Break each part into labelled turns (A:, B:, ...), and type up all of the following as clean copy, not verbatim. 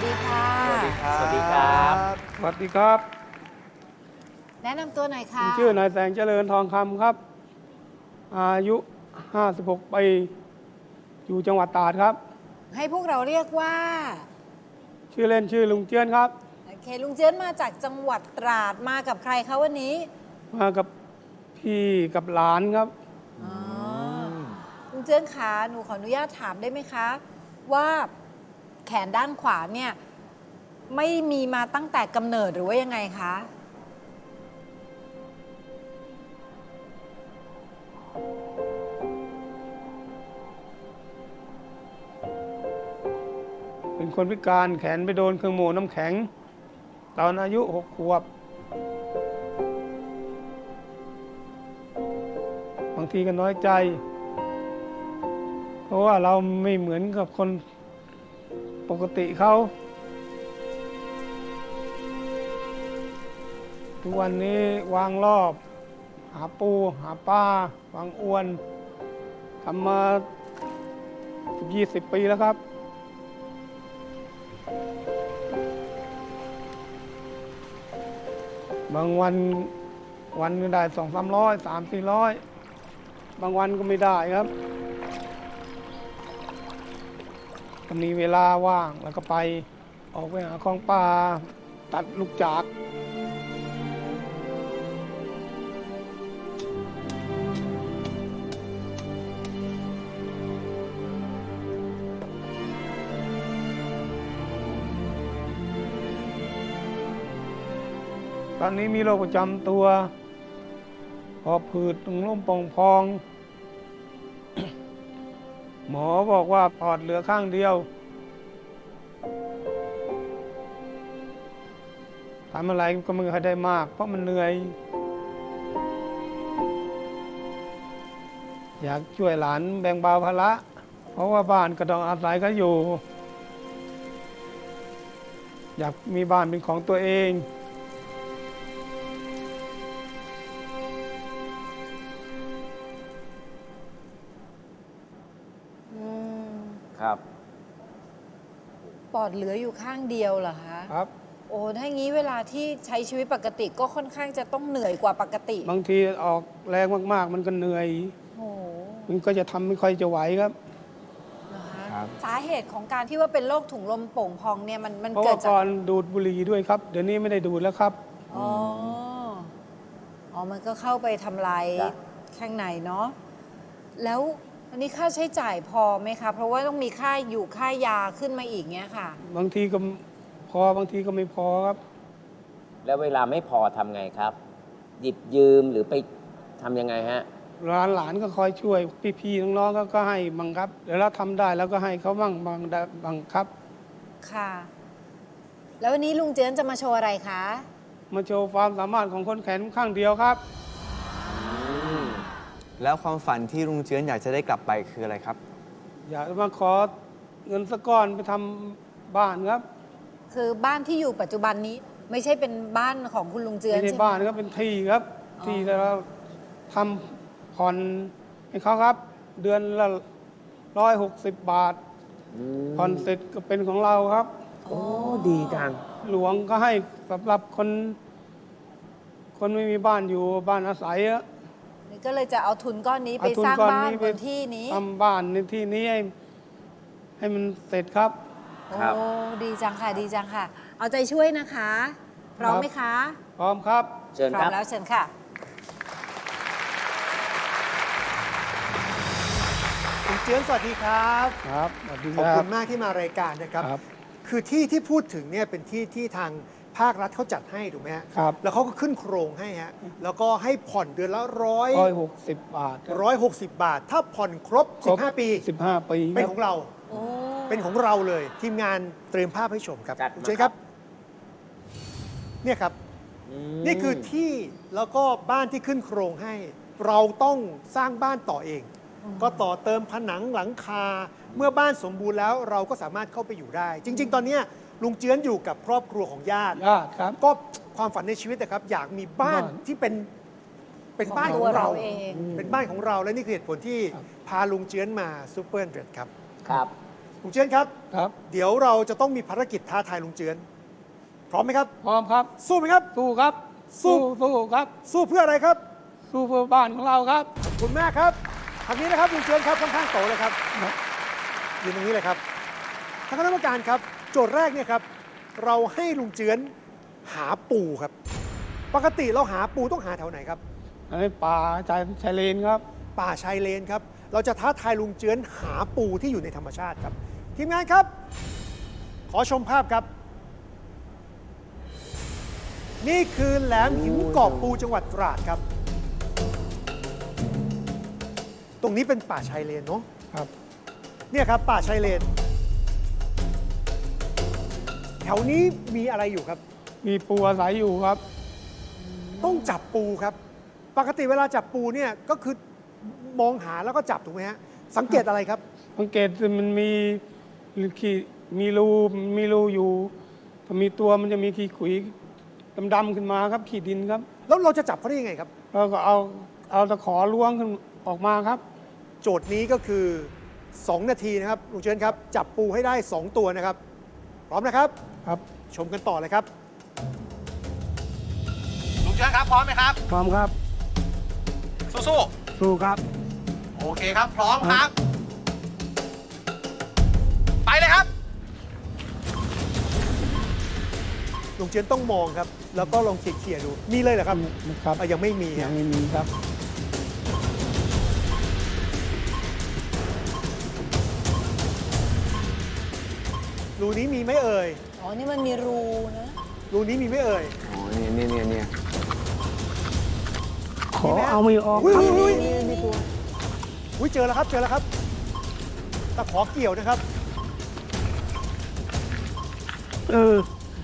A: ดีค่ะ
B: สวัสดีครับ
C: สวัสดีครับ
B: สวัสดีครับ
A: แนะนำตัวหน่อยค่ะ
B: ชื่อนายแสงเจริญทองคำครับ อายุ 56 ปี อยู่จังหวัดตราดครับ
A: ให้พวกเราเรียกว่า
B: ชื่อเล่นชื่อลุงเจื้อนครับ
A: โอเคลุงเจิ้นมาจากจังหวัดตราดมากับใครคะวันนี้
B: มากับพี่กับหลานครับ
A: อ๋อลุงเจิ้นขาหนูขออนุญาตถามได้ไหมคะ ว่าแขนด้านขวาเนี่ยไม่มีมาตั้งแต่กำเนิดหรือว่ายังไงคะ
B: เป็นคนพิการแขนไปโดนเครื่องโม่น้ำแข็ง ตอนอายุ 6 ขวบ บางทีก็น้อยใจ เพราะว่าเราไม่เหมือนกับคนปกติเขา ทุกวันนี้วางรอบ หาปูหาปลาวางอวนทำมา20 ปีแล้วครับ บางวันก็ได้200-300 300-400 บางวันก็ไม่ได้ครับก็มีเวลาว่างแล้วก็ไปออกไปหาของป่าตัดลูกจาก ตอนนี้มีโรคประจำตัวหอบผืดตุงลมป่องพอง หมอบอกว่าปอดเหลือข้างเดียวทำอะไรก็ไม่ค่อยได้มากเพราะมันเหนื่อย อยากช่วยหลานแบ่งเบาภาระเพราะว่าบ้านก็ต้องอาศัยเขาอยู่ อยากมีบ้านเป็นของตัวเอง
A: อืม
C: ครับ
A: ปอดเหลืออยู่ข้างเดียวเหรอคะ
B: ครับ
A: โอ้ถ้างี้เวลาที่ใช้ชีวิตปกติก็ค่อนข้างจะต้องเหนื่อยกว่าปกติ
B: บางทีออกแรงมากๆ มันก็เหนื่อย
A: โอ้โห
B: มันก็จะทำไม่ค่อยจะไหวครับ
A: นะคะ
C: ครับ
A: สาเหตุของการที่ว่าเป็นโรคถุงลมโป่งพองเนี่ยมัน
B: เพราะ
A: เกิ
B: ว่า
A: ดจาก
B: ก่อนดูดบุหรี่ด้วยครับ เดี๋ยวนี้ไม่ได้ดูดแล้วครับ
A: อ๋ออ๋อ มันก็เข้าไปทำลาย
C: จ้ะ
A: ข้างในเนาะ แล้วอันนี้ค่าใช้จ่ายพอไหมคะ เพราะว่าต้องมีค่าอยู่ค่ายาขึ้นมาอีกเงี้ยค่ะ
B: บางทีก็พอบางทีก็ไม่พอครับ
C: แล้วเวลาไม่พอทำไงครับ หยิบยืมหรือไปทำยังไงฮะ
B: หลานก็คอยช่วย พี่ๆน้องๆก็ให้บังครับ เดี๋ยวเราทำได้แล้วก็ให้เขาบังครับ
A: ค่ะ แล้ววันนี้ลุงเจือนจะมาโชว์อะไรคะ
B: มาโชว์ความสามารถของคนแขนข้างเดียวครับ
D: แล้วความฝันที่ลุงเจือนอยากจะได้กลับไปคืออะไรครับ
B: อยากมาขอเงินสักก้อนไปทำบ้านครับ
A: คือบ้านที่อยู่ปัจจุบันนี้ไม่ใช่เป็นบ้านของคุณลุงเจือน
B: ไม่ใช่
A: ใช่ไหม
B: บ้านครับเป็นที่ครับ
A: อ๋อ
B: ที่เราทำผ่อนให้เขาครับ เดือนละ160 บาท ผ่อนเสร็จก็เป็นของเราครับ
C: โอ้ดีจัง
B: หลวงก็ให้สำหรับคนไม่มีบ้านอยู่บ้านอาศัยอะ
A: นี่ก็เลยจะเอาทุนก้อนนี้ไป
B: เอทุน
A: สร้าง
B: ก้อ
A: บ้าน
B: ไป
A: บนที่นี้
B: ทำบ้านในที่นี้ให้มันเสร็จครับ
C: ครับ
A: โอ้ดีจังค่ะ ดีจังค่ะ เอาใจช่วยนะคะ พร้อมไหมคะ
B: พร้อมครับ
C: เชิญ
A: พร้อ
C: ครั
A: ม
C: บ
A: แล้วเชิญค่ะ
E: คุณเจือนสวัสดีครับ
B: ครับสวัสดี
E: ขอบ
B: ครั
E: คุ
B: บ
E: ณมากที่มารายการนะครับ
B: ครับ
E: คือที่ที่พูดถึงเนี่ยเป็นที่ที่ทางภาครัฐเขาจัดให้ถูกไหมฮะ
B: ครับ
E: แล้วเขาก็ขึ้นโครงให้ฮะ แล้วก็ให้ผ่อนเดือนละ
B: 160 บาทครับ
E: 160 บาท ถ้าผ่อนครบ 15 ปี
B: 15 ปี
E: เป็น
B: ค
E: ข
B: รั
E: อบ งเรา
A: โอ้
E: เป็นของเราเลย ทีมงานเตรียมภาพให้ชมครับ
C: จัดมา
E: คุณเจนครับ เนี่ยครับ นี่คือที่แล้วก็บ้านที่ขึ้นโครงให้ เราต้องสร้างบ้านต่อเอง ก็ต่อเติมผนังหลังคา เมื่อบ้านสมบูรณ์แล้วเราก็สามารถเข้าไปอยู่ได้ จริง ๆ ตอนเนี้ยลุงเจือนอยู่กับครอบครัวของญาติ
B: ญาติครับ
E: ก็ความฝันในชีวิตนะครับ อยากมีบ้าน
B: บ้าน
E: ที่เป็นบ้าน
A: ข
E: ข
A: อ
E: อง ง
A: ตัว
E: เรา
A: เราเอง
E: เป็นบ้านของเราและนี่คือเหตุผลที่
B: ครับ
E: พาลุงเจือนมาซูเปอร์เดรดครับ
C: ครับ
E: ลุงเจือนครับ
B: ครับ
E: เดี๋ยวเราจะต้องมีภารกิจท้าทายลุงเจือน พร้อมไหมครับ
B: พร้อมครับ
E: สู้ไหมครับ
B: สู้ครับ
E: สู้
B: สู้ครับ
E: สู้เพื่ออะไรครับ
B: สู้เพื่อบ้านของเราครับ
E: ขอบคุณมากครับทางนี้นะครับลุงเจือนครับค่อนข้างโตเลยครับยืนตรงนี้เลยครับทางคณะกรรมการครับ โจทย์แรกเนี่ยครับ เราให้ลุงเจือนหาปูครับ ปกติเราหาปูต้องหาแถวไหนครับ
B: ในป่าชายเลนครับ
E: ป่าชายเลนครับ เราจะท้าทายลุงเจือนหาปูที่อยู่ในธรรมชาติครับ ทีมงานครับ ขอชมภาพครับ นี่คือแหลมหินกอบปูจังหวัดตราดครับ ตรงนี้เป็นป่าชายเลนเนาะ
B: ครับ
E: เนี่ยครับป่าชายเลน แถวนี้มีอะไรอยู่ครับ
B: มีปูอาศัยอยู่ครับ
E: ต้องจับปูครับ ปกติเวลาจับปูเนี่ยก็คือมองหาแล้วก็จับถูกไหมฮะ สังเกตอะไรครับ
B: สังเกตมันมีขีมีรูอยู่พอมีตัวมันจะมีขีขุยดำๆขึ้นมาครับ ขีดดินครับ
E: แล้วเราจะจับเขาได้ยังไงครับ
B: แล้วก็เอาตะขอล้วงขึ้นออกมาครับ
E: โจทย์นี้ก็คือ 2 นาทีนะครับลุงเชิญครับ จับปูให้ได้ 2 ตัวนะครับ พร้อมนะครับ
B: ครับ
E: ชมกันต่อเลยครับ
F: ลุงเชิญครับ พร้อมไหมครับ
B: พร้อมครับ
F: สู้
B: สู้ครับ
F: ๆ โอเคครับ พร้อมครับ ไปเลยครับ
E: ลุงเชิญต้องมองครับ แล้วก็ลองเขี่ยๆดู มีเลยเหรอครับ
B: ครับ
E: ยังไม่มี
B: ยั
E: ฮะ
B: งไม่มีครับ
E: รูนี้มีไหมเอ่ย
A: อ๋อ นี่มันมีรูนะ
E: รูนี้มีไหมเอ่ย
D: อ๋อเนี่ย
B: ขอเอาไม่ออก
E: อุ้ย
B: ครับ
E: อุ้ย
A: มีตัว
E: อุ้ยเจอแล้วครับ เจอแล้วครับ ตะขอเกี่ยวนะครับ
B: เออ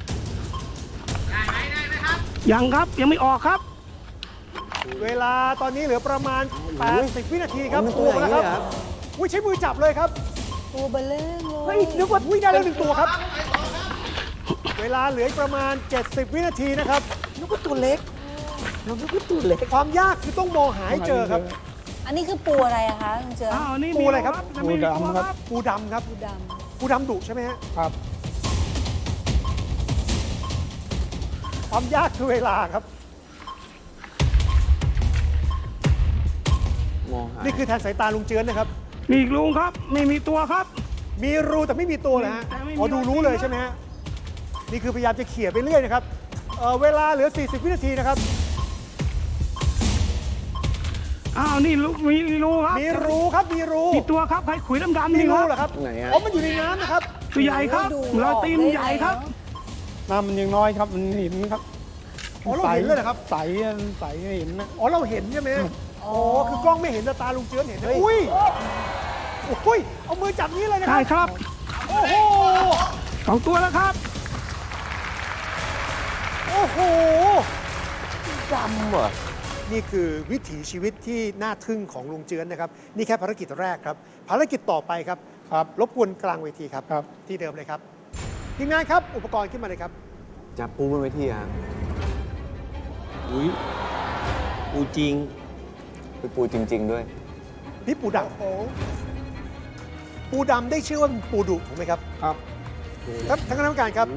B: ยังครับยังไม่ออกครับ
E: เวลาตอนนี้เหลือประมาณ 80 วินาทีครับ
D: มันตัวใหญ่
E: แล้ว
D: เลยเหรอครับ
E: อุ้ยใช้มือจับเลยครับ
A: ตัวเบลเล่งเลย
E: เฮ้ยนึกว่าอุ้ยได้แล้ว1 ตัวครับ เวลาเหลืออีกประมาณ 70 วินาทีนะครับนึกว่าตัวเล็กเรานึกว่าตัวเล็ก ความยากคือต้องมองหาให้เจอครับ
A: อันนี้คือปูอะไรอะคะลุงเจือ
B: อ้าวนี่
E: ปูอะไรครับ
B: ปูดำครับ
E: ปูดำครับ
A: ปูด
E: ปูดำดุใช่ไหมฮะ
B: ครับ
E: ความยากคือเวลาครับ
D: มองหา
E: นี่คือแทนสายตาลุงเจือนนะครับ
B: มีอีกลุงครับ ไม่มีตัวครับ
E: มีรูแต่ไม่มีตัวนะฮะ
B: แต่ไม่มี
E: พอดูรู้เลยใช่ไหมฮะ นี่คือพยายามจะเขี่ยไปเรื่อยนะครับ เวลาเหลือ 40 วินาทีนะครับ
B: อ้าวนี่ลุงมีรูครับ
E: มีรูครับ มีรู
B: มีตัวครับใครขุยดำๆ
E: มี
B: นี่ค
E: รู
B: รับ
E: เหรอครับ
D: ไหนฮะ
E: อ๋อมันอยู่ในน้ำนะครับ
B: ตัวใหญ่ครับ
A: ดู
B: เราตีน
A: ออกได้
B: ใหญ่ครับ
A: ไงเนอะ
B: น้ำมันยังน้อยครับ มันเห็นครับ
E: อ๋อเราเห็นเลยเหรอครับ
B: ใสใสเห็นนะ
E: อ๋อเราเห็นใช่ไหมอ๋อคือกล้องไม่เห็นแต่ตาลุงเจือนเห็นนะอุ้ยอุ้ยเอามือจับนี้เลยนะค
B: ใช่
E: รับ
B: ครับ
E: โอ้โห
B: 2 ตัวแล้วครับ
E: โอ้โห
C: ดำเหรอ
E: นี่คือวิถีชีวิตที่น่าทึ่งของลุงเจือนนะครับ นี่แค่ภารกิจแรกครับ ภารกิจต่อไปครับ
B: ครับ
E: รบกวนกลางเวทีครับ
B: ครับ
E: ที่เดิมเลยครับทีมงานครับ อุปกรณ์ขึ้นมาเลยครับ
D: จับปูบนเวทีอะ
C: อุ้ยปูจริง
D: เป็นปูจริง ๆ ด้วย
E: นี่ปูดำปูดำได้ชื่อว่าเป็นปูดุถูกไหมครับ
B: ครับ
E: ครับท่านคณะกรรมการครับ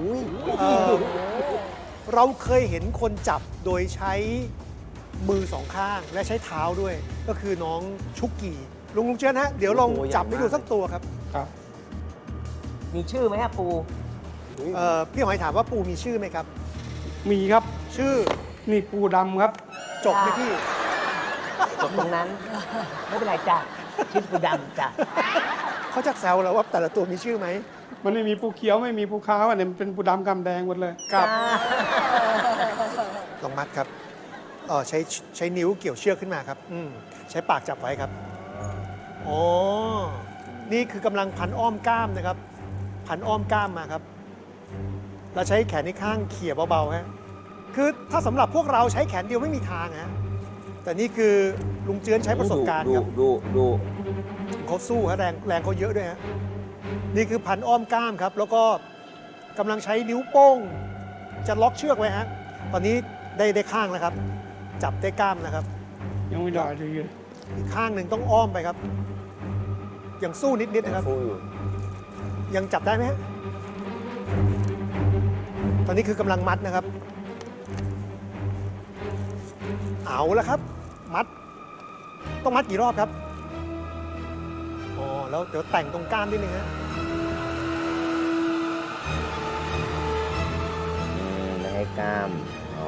E: เราเคยเห็นคนจับโดยใช้มือสองข้างและใช้เท้าด้วย ก็คือน้องชุกกี้ลุงเจือนฮะเดี๋ยวลอง
D: โอ้โหใหญ่
E: จับให้ดู
D: มาก
E: สักตัวครับ
B: ครับ
C: มีชื่อไหมฮะปู
E: พี่หอยถามว่าปูมีชื่อไหมครับ
B: มีครับ
E: ชื่อ
B: นี่ปูดำครับ
E: จบไหมพี่
C: จบตรงนั้น ไม่เป็นไรจ้ะชื่อปูดำจ้ะ
E: เขาจะแซวเราว่าแต่ละตัวมีชื่อไหม
B: มันไม่มีปูเขียวไม่มีปูขาวอันนี้มันเป็นปูดำกำแดงหมดเลย
E: ครับลองมัดครับใช้นิ้วเกี่ยวเชือกขึ้นมาครับใช้ปากจับไว้ครับอ๋อนี่คือกำลังพันอ้อมกล้ามนะครับ พันอ้อมกล้ามมาครับแล้วใช้แขนในข้างเขี่ยเบาๆฮะคือถ้าสำหรับพวกเราใช้แขนเดียวไม่มีทางฮะแต่นี่คือลุงเจือนใช้ประสบการณ์ครับ
C: ดู
E: เขาสู้ฮะแรงเขาเยอะด้วยฮะนี่คือพันอ้อมกล้ามครับ แล้วก็กำลังใช้นิ้วโป้งจะล็อกเชือกไว้ฮะตอนนี้ได้ข้างแล้วครับ จับได้กล้ามนะครับ
B: ยังไม่ได้เลย
E: อีกข้างหนึ่งต้องอ้อมไปครับยังสู้นิดๆนะครับ
D: ฟูอยู่
E: ยังจับได้ไหมฮะตอนนี้คือกำลังมัดนะครับ เอาแล้วครับ มัด ต้องมัดกี่รอบครับ อ๋อ แล้วเดี๋ยวแต่งตรงกล้ามนิดนึงฮะ
C: ไม่ให้กล้าม อ๋อ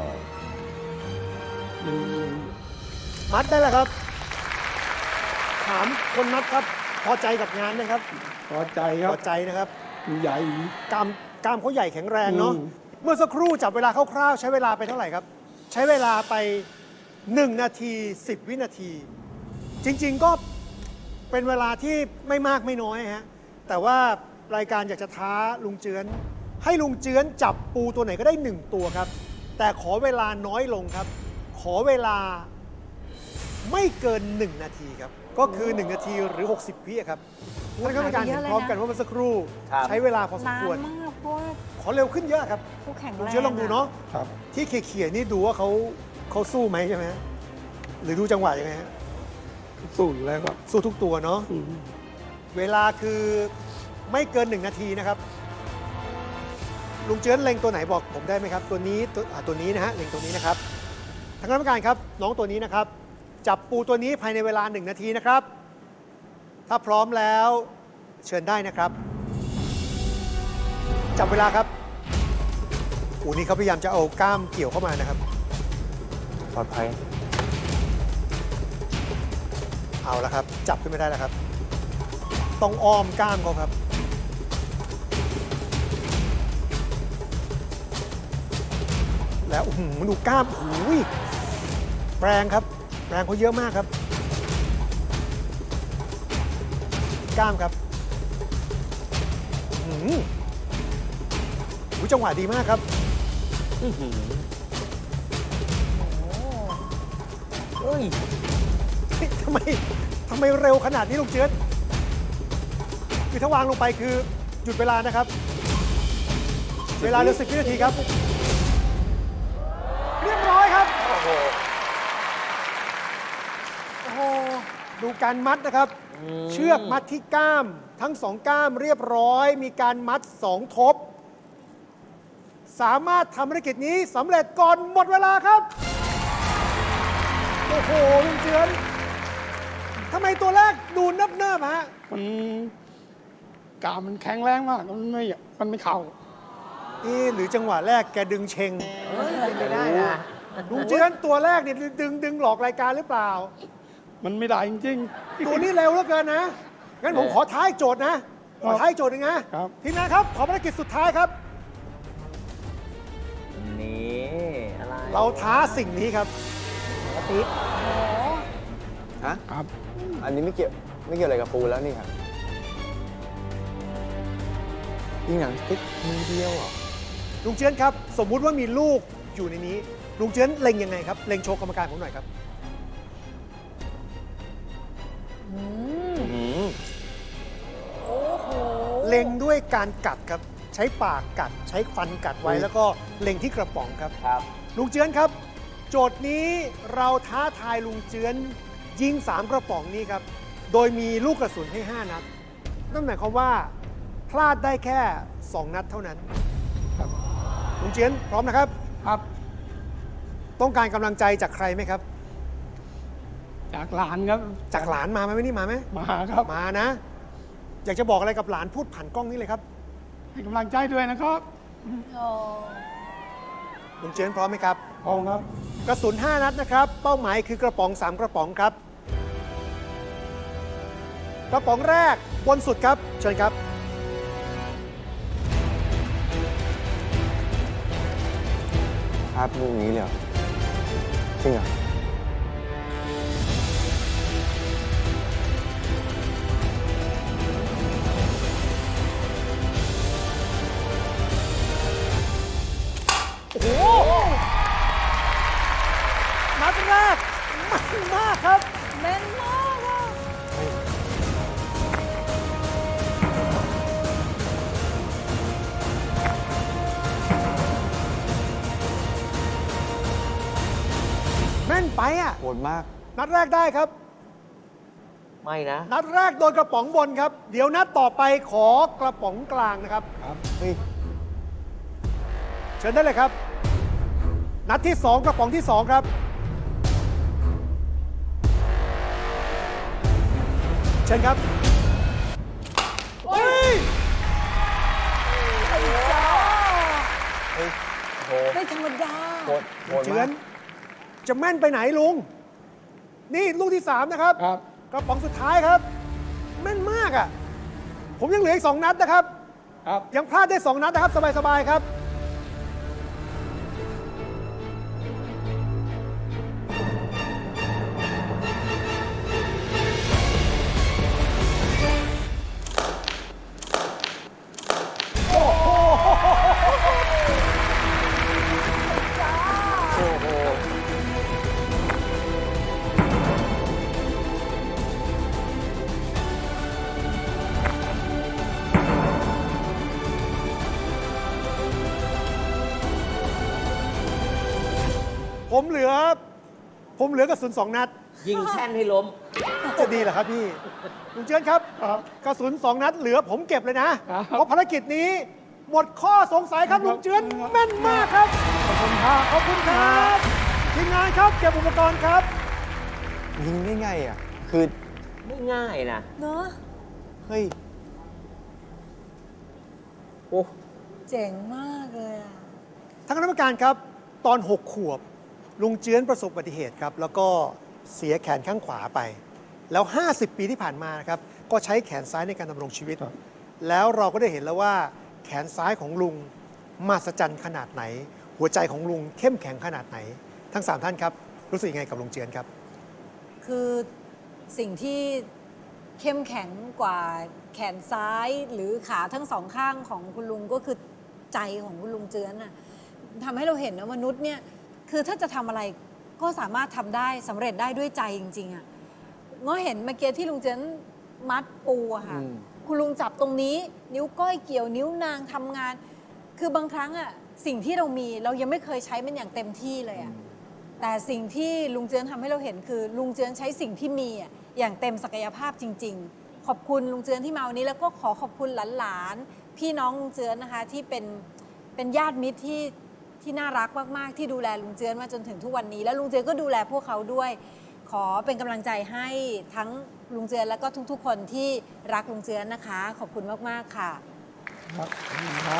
E: มัดได้แล้วครับ ถามคนมัดครับ พอใจกับงานไหมครับ
B: พอใจครั
E: พ
B: บ
E: อใจนะครับ
B: ใหญ่
E: กล้ามเขาใหญ่แข็งแรงเนาะ
B: อืม
E: เมื่อสักครู่จับเวลาคร่าวๆใช้เวลาไปเท่าไหร่ครับ ใช้เวลาไป 1 นาที 10 วินาที จริงๆก็เป็นเวลาที่ไม่มากไม่น้อยฮะ แต่ว่ารายการอยากจะท้าลุงเจือน ให้ลุงเจือนจับปูตัวไหนก็ได้ 1 ตัวครับ แต่ขอเวลาน้อยลงครับ ขอเวลาไม่เกิน 1 นาทีครับ ก็คือ 1 นาทีหรือ 60 วิครับท่านคณะกรรมการเห็นพร้อมกันว่าเมื่อสักครู่
C: ครับ
E: ใช้เวลาพอสม
A: นาน
E: ควร
A: มากเพราะว่า
E: ขอเร็วขึ้นเยอะครับ
A: ผู้แข่ง
E: ลุง
A: แรง
E: เชื้อลองดูเนาะ
B: ครับ
E: ที่เขี่ยๆนี่ดูว่าเขาสู้ไหมใช่ไหมฮะหรือดูจังหวะยังไงฮะ
B: สู้อยู่แล้วครับ
E: สู้ทุกตัวเนาะ
B: อืม
E: เวลาคือไม่เกิน 1 นาทีนะครับ ลุงเจือนเล็งตัวไหนบอกผมได้ไหมครับ ตัวนี้ตัวนี้นะฮะเล็งตัวนี้นะครับทางคณะกรรมการครับ น้องตัวนี้นะครับ จับปูตัวนี้ภายในเวลา 1 นาทีนะครับ ถ้าพร้อมแล้วเชิญได้นะครับ จับเวลาครับอูนี่เขาพยายามจะเอากล้ามเกี่ยวเข้ามานะครับ
D: ปลอดภัย
E: เอาละครับ จับขึ้นไม่ได้แล้วครับ ต้องอ้อมกล้ามเขาครับ แล้วมันดูกล้ามโอ้ยแรงครับ แรงเขาเยอะมากครับ กล้ามครับจังหวะดีมากครับ
C: เฮ้ย
E: เฮ้ยทำไมเร็วขนาดนี้ลุงเจือนคือถ้าวางลงไปคือหยุดเวลานะครับ เวลาเหลือ10 วินาทีครับ เรียบร้อยครับ
C: โอ้โห
A: โอ้โห
E: ดูการมัดนะครับ เชือกมัดที่ก้าม ทั้ง 2 ก้ามเรียบร้อย มีการมัด 2 ทบ สามารถทำภารกิจนี้สำเร็จก่อนหมดเวลาครับ โอ้โหลุงเจือนทำไมตัวแรกดูเนิบๆฮะ
B: มันกล้ามมันแข็งแรงมาก มันไม่เข่า
E: หรือจังหวะแรกแกดึงเชง
C: เฮ้ยไม่ได้นะ
E: ลุงเจือนตัวแรกเนี่ยดึงหลอกรายการหรือเปล่า
B: มันไม่ได้จริง
E: ตัวนี้เร็วเหลือเกินนะ งั้นผมขอท้ายโจทย์นะ ขอท้ายโจทย์หนึงนะครับ ทีมงานครับ ขอภารกิจสุดท้ายครับ
C: นี่อะไร
E: เราท้าสิ่งนี้ครับ
C: ติ๊ก
D: ฮะ
B: ๆ ครับ
D: อันนี้ไม่เกี่ยวอะไรกับปูแล้วนี่ครับยิงหนังติ๊กมือเดียวเหรอ
E: ลุงเจือนครับ สมมุติว่ามีลูกอยู่ในนี้ ลุงเจือนเล็งยังไงครับ เล็งโชว์กรรมการผมหน่อยครับ
A: โอ้โห
E: เล็งด้วยการกัดครับ ใช้ปากกัด ใช้ฟันกัดไว้ แล้วก็เล็งที่กระป๋องครับ
C: ครับ
E: ลุงเจือนครับ โจทย์นี้เราท้าทายลุงเจือนยิง 3 กระป๋องนี้ครับ โดยมีลูกกระสุนให้ 5 นัด นั่นหมายความว่าพลาดได้แค่ 2 นัดเท่านั้น
B: ครับ
E: ลุงเจือนพร้อมนะครับ
B: ครับ
E: ต้องการกำลังใจจากใครไหมครับ
B: จากหลานครับ
E: จากหลานมาไหมนี่มาไหม
B: มาครับ
E: มานะ อยากจะบอกอะไรกับหลานพูดผ่านกล้องนี้เลยครับ
B: ให้กำลังใจด้วยนะครับ
A: โอ้
E: ลุงเจือนพร้อมไหมครับ
B: พร้อมครับ
E: กระสุน 5 นัดนะครับ เป้าหมายคือกระป๋อง 3 กระป๋องครับ กระป๋องแรกบนสุดครับ เชิญครับ
D: ภาพลูกนี้เลยเหรอจริงเหรอ
E: โอ้โห นัดแรกมันมากครับ
A: แม่นมากอะ
E: แม่นไปอ่ะ
D: โหดมาก
E: นัดแรกได้ครับ ม
C: ไม่นะ
E: นัดแรกโดนกระป๋องบนครับ เดี๋ยวนัดต่อไปขอกระป๋องกลางนะครับ
B: ครับ
D: เฮ้ย
E: เชิญได้เลยครับ นัดที่ 2 กระป๋องที่ 2 ครับ เชิญครับเฮ้ย
C: เฮ้ยโห
A: ไม่ธรรมดา
C: โหดโหด
E: เจือ
C: มาน ก
E: จะแม่นไปไหนลุง นี่ลูกที่ 3 นะครับ
B: ครับ
E: กระป๋องสุดท้ายครับ แม่นมากอ่ะ ผมยังเหลืออีก 2 นัดนะครับ
B: ครับ
E: ยังพลาดได้ 2 นัดนะครับ สบาย ๆ ครับ
C: โอ้โห
E: ผมเหลือกระสุน 2 นัด
C: ยิงแช่นให้ล้ม
E: จะดีเหรอครับพี่ ลุงเจือนครับ
B: ครับ
E: กระสุน 2 นัดเหลือผมเก็บเลยนะ
B: ครับ
E: เพราะภารกิจนี้หมดข้อสงสัยครับ
B: ครับ
E: ลุงเจือนแม่นมากครับ
B: ขอบคุณครับ
E: ขอบคุณครับทีมงานครับเก็บอุปกรณ์ครับ
D: ยิงได้ไงอ่ะ คือ
C: ไม่ง่ายนะ
A: เนอะ
D: เฮ้ย
C: โอ้
A: เจ๋งมากเลยอะ
E: ทางคณะกรรมการครับ ตอน 6 ขวบ ลุงเจือนประสบอุบัติเหตุครับ แล้วก็เสียแขนข้างขวาไป แล้ว 50 ปีที่ผ่านมานะครับ ก็ใช้แขนซ้ายในการดำรงชีวิต
B: ครับ
E: แล้วเราก็ได้เห็นแล้วว่าแขนซ้ายของลุงมหัศจรรย์ขนาดไหน หัวใจของลุงเข้มแข็งขนาดไหน ทั้ง 3 ท่านครับ รู้สึกยังไงกับลุงเจือนครับ
A: คือสิ่งที่เข้มแข็งกว่าแขนซ้ายหรือขาทั้งสองข้างของคุณลุงก็คือใจของคุณลุงเจือนน่ะทำให้เราเห็นว่ามนุษย์เนี่ยคือถ้าจะทำอะไรก็สามารถทำได้สำเร็จได้ด้วยใจจริงๆอ่ะง้อเห็นเมื่อกี้ที่ลุงเจือนมัดปูอะค่ะ คุณลุงจับตรงนี้ นิ้วก้อยเกี่ยวนิ้วนางทำงาน คือบางครั้งอะสิ่งที่เรามีเรายังไม่เคยใช้มันอย่างเต็มที่เลยอะแต่สิ่งที่ลุงเจือนทำให้เราเห็นคือ ลุงเจือนใช้สิ่งที่มีอะอย่างเต็มศักยภาพจริง ๆ ขอบคุณลุงเจือนที่มาวันนี้แล้วก็ขอขอบคุณหลานๆพี่น้องลุงเจือนนะคะที่เป็นญาติมิตรที่น่ารักมากๆ ที่ดูแลลุงเจือนมาจนถึงทุกวันนี้ แล้วลุงเจือนก็ดูแลพวกเขาด้วย ขอเป็นกำลังใจให้ทั้งลุงเจือนแล้วก็ทุกๆ คนที่รักลุงเจือนนะคะ ขอบคุณมากๆค่ะ
B: ครับขอบคุณครับ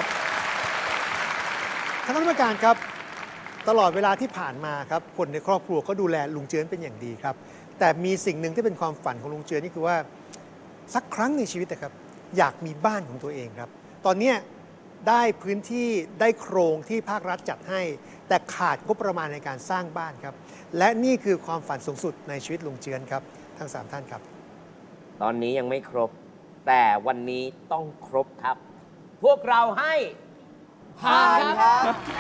E: ท่านคณะกรรมการครับ ตลอดเวลาที่ผ่านมาครับคนในครอบครัวก็ดูแลลุงเจือนเป็นอย่างดีครับ แต่มีสิ่งหนึ่งที่เป็นความฝันของลุงเจือนนี่คือว่าสักครั้งในชีวิตนะครับอยากมีบ้านของตัวเองครับ ตอนเนี้ยได้พื้นที่ได้โครงที่ภาครัฐจัดให้ แต่ขาดงบประมาณในการสร้างบ้านครับ และนี่คือความฝันสูงสุดในชีวิตลุงเจือนครับทั้ง 3 ท่านครับ
C: ตอนนี้ยังไม่ครบ แต่วันนี้ต้องครบครับ พวกเราให้ผ่านครับ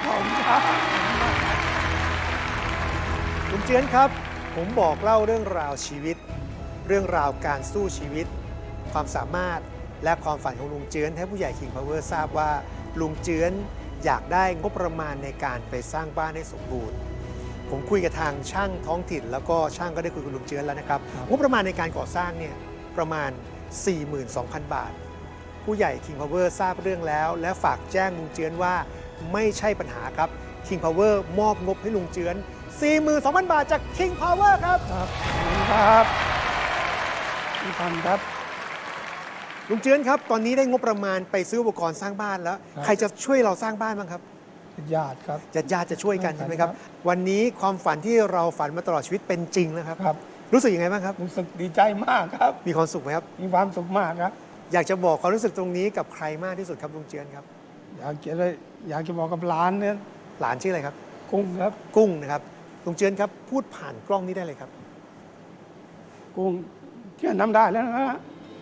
E: ลุงเจือนครับ ผมบอกเล่าเรื่องราวชีวิต เรื่องราวการสู้ชีวิต ความสามารถและความฝันของลุงเจือนให้ผู้ใหญ่ King Power ทราบว่าลุงเจือนอยากได้งบประมาณในการไปสร้างบ้านให้สมบูรณ์ ผมคุยกับทางช่างท้องถิ่น แล้วก็ช่างก็ได้คุยกับลุงเจือนแล้วนะครับ
B: ครับ
E: งบประมาณในการก่อสร้างเนี่ยประมาณ 42,000 บาท ผู้ใหญ่ King Power ทราบเรื่องแล้ว และฝากแจ้งลุงเจือนว่าไม่ใช่ปัญหาครับ King Power มอบงบให้ลุงเจือน 42,000 บาทจาก King Power ครับ
B: ครับขอบคุณครับพี่พันธุ์ครับ
E: ลุงเจือนครับตอนนี้ได้งบประมาณไปซื้ออุปกรณ์สร้างบ้านแล้ว
B: ครับ
E: ใครจะช่วยเราสร้างบ้านบ้างครับ
B: ญาติครับ
E: ญาติๆจะช่วยกัน
B: ครับ
E: ใช่ไหมครับ วันนี้ความฝันที่เราฝันมาตลอดชีวิตเป็นจริงแล้วครับ
B: ครับ
E: รู้สึกยังไงบ้างครับ
B: รู้สึกดีใจมากครับ
E: มีความสุขไหมครับ
B: มีความสุขมากครับ
E: อยากจะบอกความรู้สึกตรงนี้กับใครมากที่สุดครับลุงเจือนครับ
B: อยากจะบอกกับหลานเนี่ย
E: หลานชื่ออะไรครับ
B: กุ้งครับ
E: กุ้งนะครับลุงเจือนครับพูดผ่านกล้องนี้ได้เลยครับ
B: กุ้งเชื่อน้ำได้แล้วนะฮะ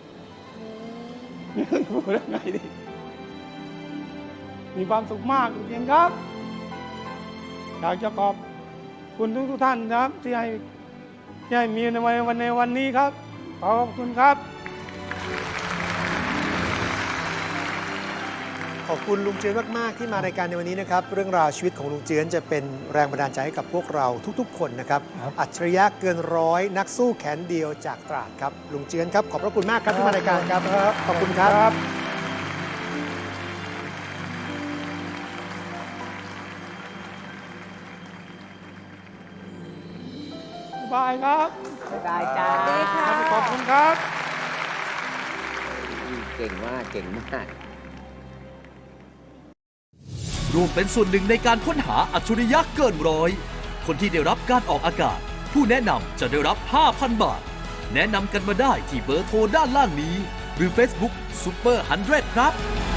B: พูดยังไงดีมีความสุขมากจริงๆครับ อยากจะขอบคุณทุกท่านนะครับที่ให้มีในวันนี้ครับ ขอบคุณครับ
E: ขอบคุณลุงเจือนมาก ๆ ที่มารายการในวันนี้นะครับ เรื่องราวชีวิตของลุงเจือนจะเป็นแรงบันดาลใจให้กับพวกเราทุก ๆ คนนะครับ อัจฉริยะเกินร้อยนักสู้แขนเดียวจากตราดครับ ลุงเจือนครับ ขอบพระคุณมากครับที่มารายการครับ ขอบคุณครับ
B: บายครับ
C: บ๊ายบายจ้า
A: สวัสดีค่ะ
B: ขอบคุณครับ
C: เก่งมาก เก่งมาก
G: ร่วมเป็นส่วนหนึ่งในการค้นหาอัจฉริยะเกินร้อย คนที่ได้รับการออกอากาศ ผู้แนะนำจะได้รับ 5,000 บาท แนะนำกันมาได้ที่เบอร์โทรด้านล่างนี้ หรือ Facebook Super 100 ครับ